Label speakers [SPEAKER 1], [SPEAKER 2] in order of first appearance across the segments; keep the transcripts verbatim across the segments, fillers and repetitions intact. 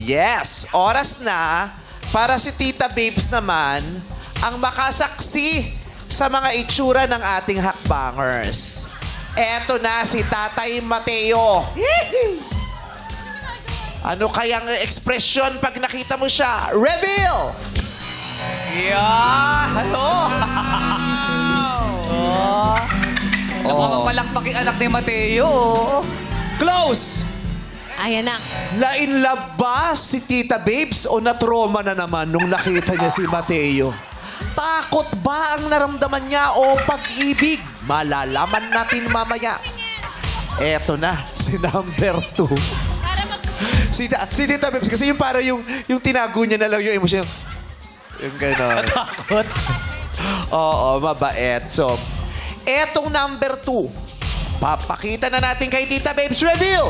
[SPEAKER 1] Yes, oras na para si Tita Babes naman ang makasaksi sa mga itsura ng ating hakbangers. Eto na si Tatay Mateo. Ano kayang ekspresyon pag nakita mo siya? Reveal!
[SPEAKER 2] Yeah! Hello! oh. Napapalakpak yung anak ni Mateo.
[SPEAKER 1] Close!
[SPEAKER 3] Ayan na.
[SPEAKER 1] Lain love ba si Tita Babes o natroma na naman nung nakita niya si Mateo? Takot ba ang naramdaman niya o pag-ibig? Malalaman natin mamaya. Eto na, si number two. Si, ta- si Tita Babes, kasi yung para yung, yung tinago niya na lang yung emosyon. Yung gano'n.
[SPEAKER 2] Takot.
[SPEAKER 1] Oo, mabait. So, etong number two, papakita na natin kay Tita Babes. Reveal!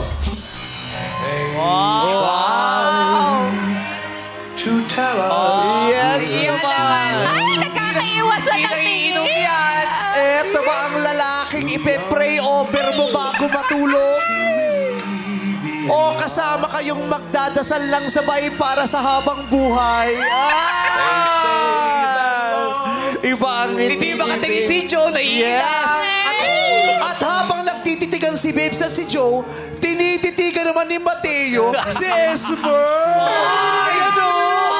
[SPEAKER 4] To tell us
[SPEAKER 1] Yes
[SPEAKER 2] Iya
[SPEAKER 1] naman!
[SPEAKER 3] Ay, nagkakaiwas sa
[SPEAKER 2] Inom
[SPEAKER 3] natin.
[SPEAKER 2] yan.
[SPEAKER 1] Eto ba ang lalaking ipe-pray over mo bago matulog? O kasama kayong magdadasal lang sabay para sa habang buhay? Ah! Iba ang
[SPEAKER 2] Hindi ba katingin si Joe? Naiiyak.
[SPEAKER 1] Yes! At, at habang nagtititigan si Babes at si Joe, tinititigan naman ni Mateo si Esmer! Ayan o!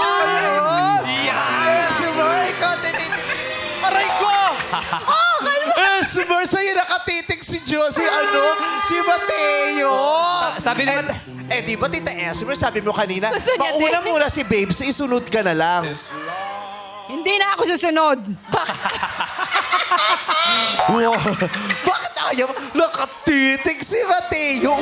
[SPEAKER 1] Esmer, ikaw tinititig. Aray ko! Esmer, sa'yo nakatitig si Joe, si ano, si Mateo.
[SPEAKER 2] Sabi naman...
[SPEAKER 1] Eh, eh, di ba, Tita Esmer, sabi mo kanina,
[SPEAKER 3] Gusto niya
[SPEAKER 1] mauna
[SPEAKER 3] din.
[SPEAKER 1] muna si Babes, isunod ka na lang.
[SPEAKER 3] Hindi na ako susunod.
[SPEAKER 1] Wow. Bakit ayaw nakatitig si Mateo?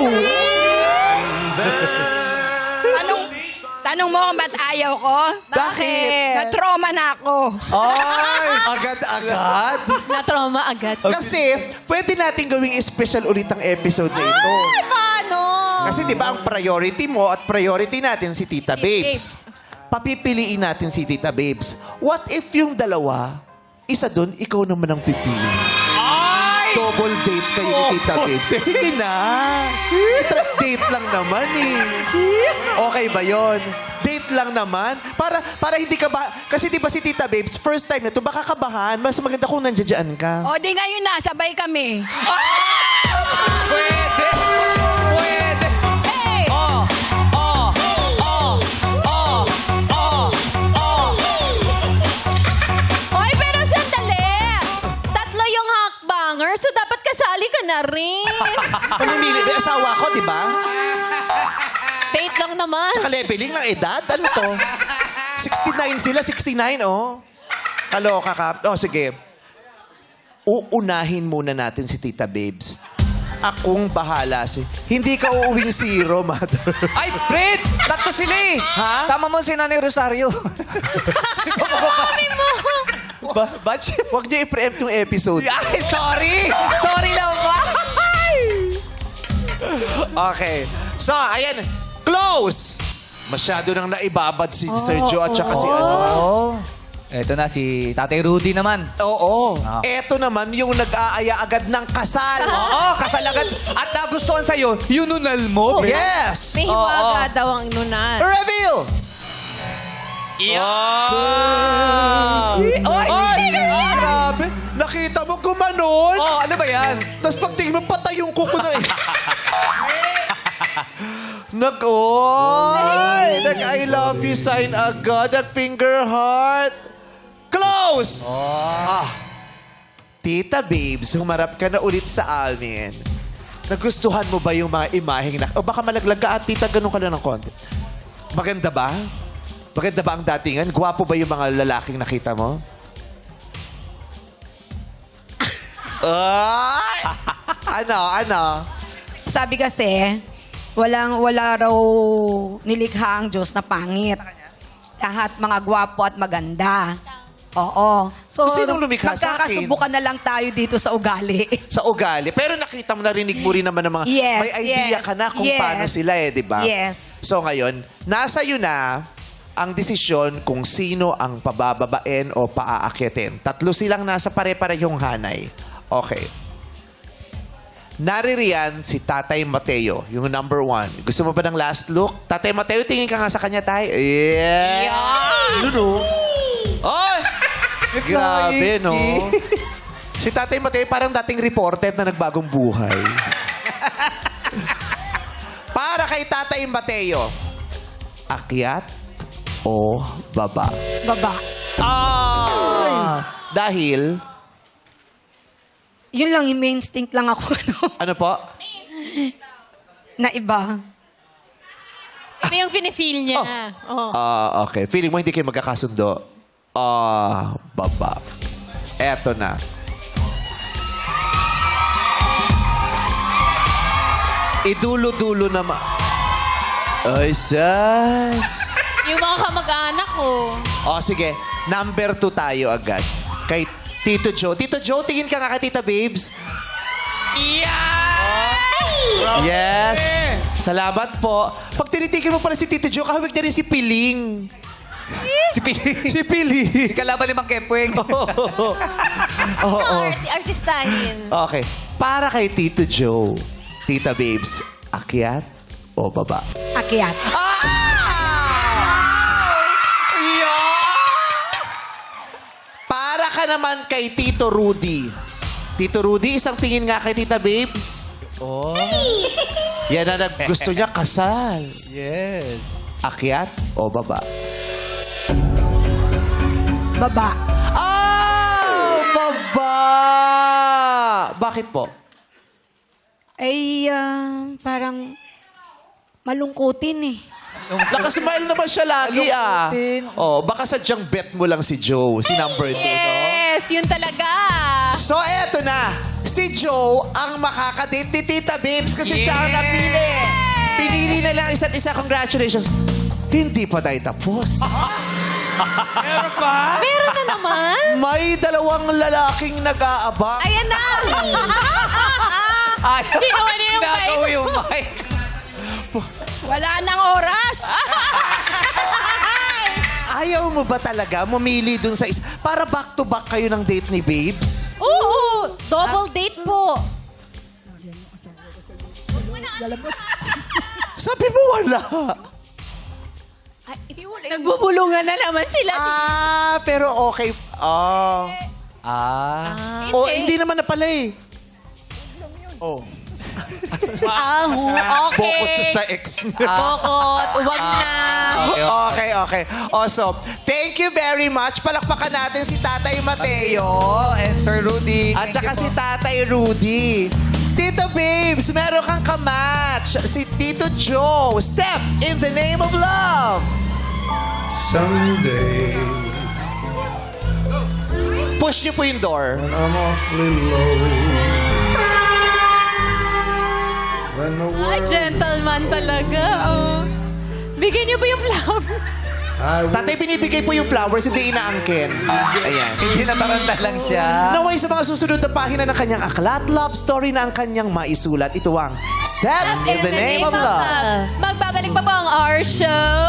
[SPEAKER 3] Tanong, tanong mo kung ba't ayaw ko?
[SPEAKER 1] Bakit?
[SPEAKER 3] Na-trauma na ako.
[SPEAKER 2] Ay!
[SPEAKER 1] Agad-agad?
[SPEAKER 5] Na-trauma agad.
[SPEAKER 1] Kasi, pwede natin gawing special ulit ang episode na ito.
[SPEAKER 3] Ay, paano?
[SPEAKER 1] Kasi di ba ang priority mo at priority natin si Tita Babes. Papipiliin natin si Tita Babes. What if yung dalawa, isa doon, ikaw naman ang pipili?
[SPEAKER 2] Ay!
[SPEAKER 1] Double date kayo ni Tita Babes. Sige na. Tra- date lang naman eh. Okay ba yon? Date lang naman. Para para hindi ka ba... Kasi di ba si Tita Babes, first time na ito, baka kabahan. Mas maganda kung nandiyan ka.
[SPEAKER 3] O, di ngayon na, sabay kami.
[SPEAKER 2] Pwede! Pwede!
[SPEAKER 3] Hey!
[SPEAKER 2] Oh! Oh! Oh! Oh! Oh! Oh!
[SPEAKER 5] Hoy, pero sandali! Tatlo yung hakbanger, so dapat kasali ka na rin.
[SPEAKER 1] Pamimili, may asawa ko, di ba?
[SPEAKER 5] Date lang naman.
[SPEAKER 1] Saka leveling ng edad. Ano to? sixty-nine sila, sixty-nine, oh. Kaloka ka. Oh, sige. Uunahin muna natin si Tita Babes. Akong bahala si... Hindi ka uuwing zero, mother.
[SPEAKER 2] Ay, Fred! Tatlo sila eh!
[SPEAKER 1] Ha?
[SPEAKER 2] Sama mo si Nanay Rosario.
[SPEAKER 1] ba batch? Huwag niyo i-preempt yung episode.
[SPEAKER 2] Ay, sorry! Sorry lang ba?
[SPEAKER 1] Okay. So, ayan. Close! Masyado nang naibabad si Sir Joe at saka si ano.
[SPEAKER 2] Oh. Eto na, si Tatay Rudy naman.
[SPEAKER 1] Oo.
[SPEAKER 2] Ah.
[SPEAKER 1] Eto naman yung nag-aaya agad ng kasal.
[SPEAKER 2] Oo, kasal agad. At nagustuhan sa'yo, yung nunal mo.
[SPEAKER 1] Yes!
[SPEAKER 5] May
[SPEAKER 1] Oo.
[SPEAKER 5] hiwaga daw ang nunan.
[SPEAKER 1] Reveal!
[SPEAKER 2] Oy!
[SPEAKER 1] Ay! Grabe! Nakita mo gumanon?
[SPEAKER 2] Oh, ano ba yan?
[SPEAKER 1] Tapos pag tingin mo, patay yung kuko na eh. Nag, oy! Nag-I love you sign agad. Nag-finger heart. Close! Ah. Tita Babes, humarap ka na ulit sa amin. Nagustuhan mo ba yung mga imaheng na... O baka malaglag ka at tita, ganun ka lang ng konti. Maganda ba? Maganda ba ang datingan? Gwapo ba yung mga lalaking nakita mo? Ay! Ano? Ano?
[SPEAKER 3] Sabi kasi, walang, wala raw nilikha ang Diyos na pangit. Lahat mga gwapo at maganda. Oo. So,
[SPEAKER 1] Sinong lumikha sa akin?
[SPEAKER 3] magkakasubukan na lang tayo dito sa ugali.
[SPEAKER 1] Sa ugali. Pero nakita mo, narinig mo rin naman ng mga...
[SPEAKER 3] Yes,
[SPEAKER 1] may idea
[SPEAKER 3] yes,
[SPEAKER 1] ka na kung
[SPEAKER 3] yes.
[SPEAKER 1] paano sila eh, di ba?
[SPEAKER 3] Yes.
[SPEAKER 1] So ngayon, nasa iyo na ang desisyon kung sino ang pabababain o paaakyatin. Tatlo silang nasa pare-parehong hanay. Okay. naririyan si Tatay Mateo, yung number one. Gusto mo ba ng last look? Tatay Mateo, tingin ka nga sa kanya, tay. Yeah! Yun, oh. Ay! Grabe, no? Si Tatay Mateo parang dating reported na nagbagong buhay. Para kay Tatay Mateo, akyat o baba?
[SPEAKER 3] Baba.
[SPEAKER 1] Ah! Dahil,
[SPEAKER 3] Yun lang, yung main instinct lang ako. Ano,
[SPEAKER 1] ano po?
[SPEAKER 3] na iba.
[SPEAKER 5] Ito yung feel niya. Oh.
[SPEAKER 1] Ah, okay. Feeling mo hindi kayo magkakasundo? Ah, baba. Eto na. Idulo-dulo naman. Ay, sas.
[SPEAKER 5] Yung mga kamag-anak ko.
[SPEAKER 1] O, sige. Number two tayo agad. Kay Tito Joe. Tito Joe, tingin ka nga kay Tita Babes. Yes. Salamat po. Pag tinitigil mo pala si Tito Joe, kahawig na rin si Piling.
[SPEAKER 2] Si Pili.
[SPEAKER 1] Si Piling.
[SPEAKER 2] Kalaban ni Mang Kepweng.
[SPEAKER 1] Oo. Oo.
[SPEAKER 5] Art- artistahin.
[SPEAKER 1] Okay. Para kay Tito Joe, Tita Babes, akyat o baba?
[SPEAKER 3] Akyat.
[SPEAKER 1] Para ka naman kay Tito Rudy. Tito Rudy, isang tingin nga kay Tita Babes.
[SPEAKER 2] Oh.
[SPEAKER 1] Yan na nag gusto niya kasal.
[SPEAKER 2] Yes.
[SPEAKER 1] Akyat o baba?
[SPEAKER 3] Baba.
[SPEAKER 1] Ah! Baba! Bakit po?
[SPEAKER 3] Ay, ah, parang malungkutin eh.
[SPEAKER 1] Nakasmile naman siya lagi ah.
[SPEAKER 3] Malungkutin.
[SPEAKER 1] Oh, baka sadyang bet mo lang si Joe, si number two, no?
[SPEAKER 5] Yes, yun talaga.
[SPEAKER 1] So, eto na. Si Joe ang makakadate ni Tita Babes kasi siya ang napili. Pinili na lang isa't isa. Congratulations. Hindi pa tayo tapos.
[SPEAKER 5] Meron na naman.
[SPEAKER 1] May dalawang lalaking nag-aabang.
[SPEAKER 5] Ayan na.
[SPEAKER 2] Ay,
[SPEAKER 5] Kinuha niya yung
[SPEAKER 2] nagawa
[SPEAKER 5] mic.
[SPEAKER 2] yung mic.
[SPEAKER 3] Wala nang oras.
[SPEAKER 1] Ayaw mo ba talaga mamili dun sa isa? Para back-to-back kayo ng date ni Babes?
[SPEAKER 5] Oo, double date po.
[SPEAKER 1] Sabi mo wala.
[SPEAKER 5] Nagbubulungan na naman sila.
[SPEAKER 1] Ah, pero okay. Ah.
[SPEAKER 2] Ah.
[SPEAKER 1] Oh, hindi naman na pala eh. Oh.
[SPEAKER 5] Ah,
[SPEAKER 1] Bokot
[SPEAKER 5] okay.
[SPEAKER 1] sa ex niya.
[SPEAKER 5] Bokot, wag na.
[SPEAKER 1] Okay, okay. Awesome. Thank you very much. Palakpakan natin si Tatay Mateo.
[SPEAKER 2] Oh, and Sir Rudy.
[SPEAKER 1] At
[SPEAKER 2] thank
[SPEAKER 1] saka
[SPEAKER 2] you
[SPEAKER 1] si
[SPEAKER 2] po.
[SPEAKER 1] Tatay Rudy. Tito Babes, meron kang kamatch. Si Tito Joe. Step in the name of love.
[SPEAKER 4] Someday,
[SPEAKER 1] Push niyo po yung door.
[SPEAKER 4] I'm awfully low. When the
[SPEAKER 5] Ay,
[SPEAKER 4] world
[SPEAKER 5] gentleman talaga. Oh. Bigyan niyo po yung flowers.
[SPEAKER 4] I will
[SPEAKER 1] Tatay, binibigay po yung flowers, hindi inaangkin. Ayan.
[SPEAKER 2] Hindi nataranta lang siya.
[SPEAKER 1] Naway sa mga susunod na pahina ng kanyang aklat, love story na ang kanyang maisulat. Ito ang Step in the Name of Love.
[SPEAKER 5] Magbabalik pa po ang our show.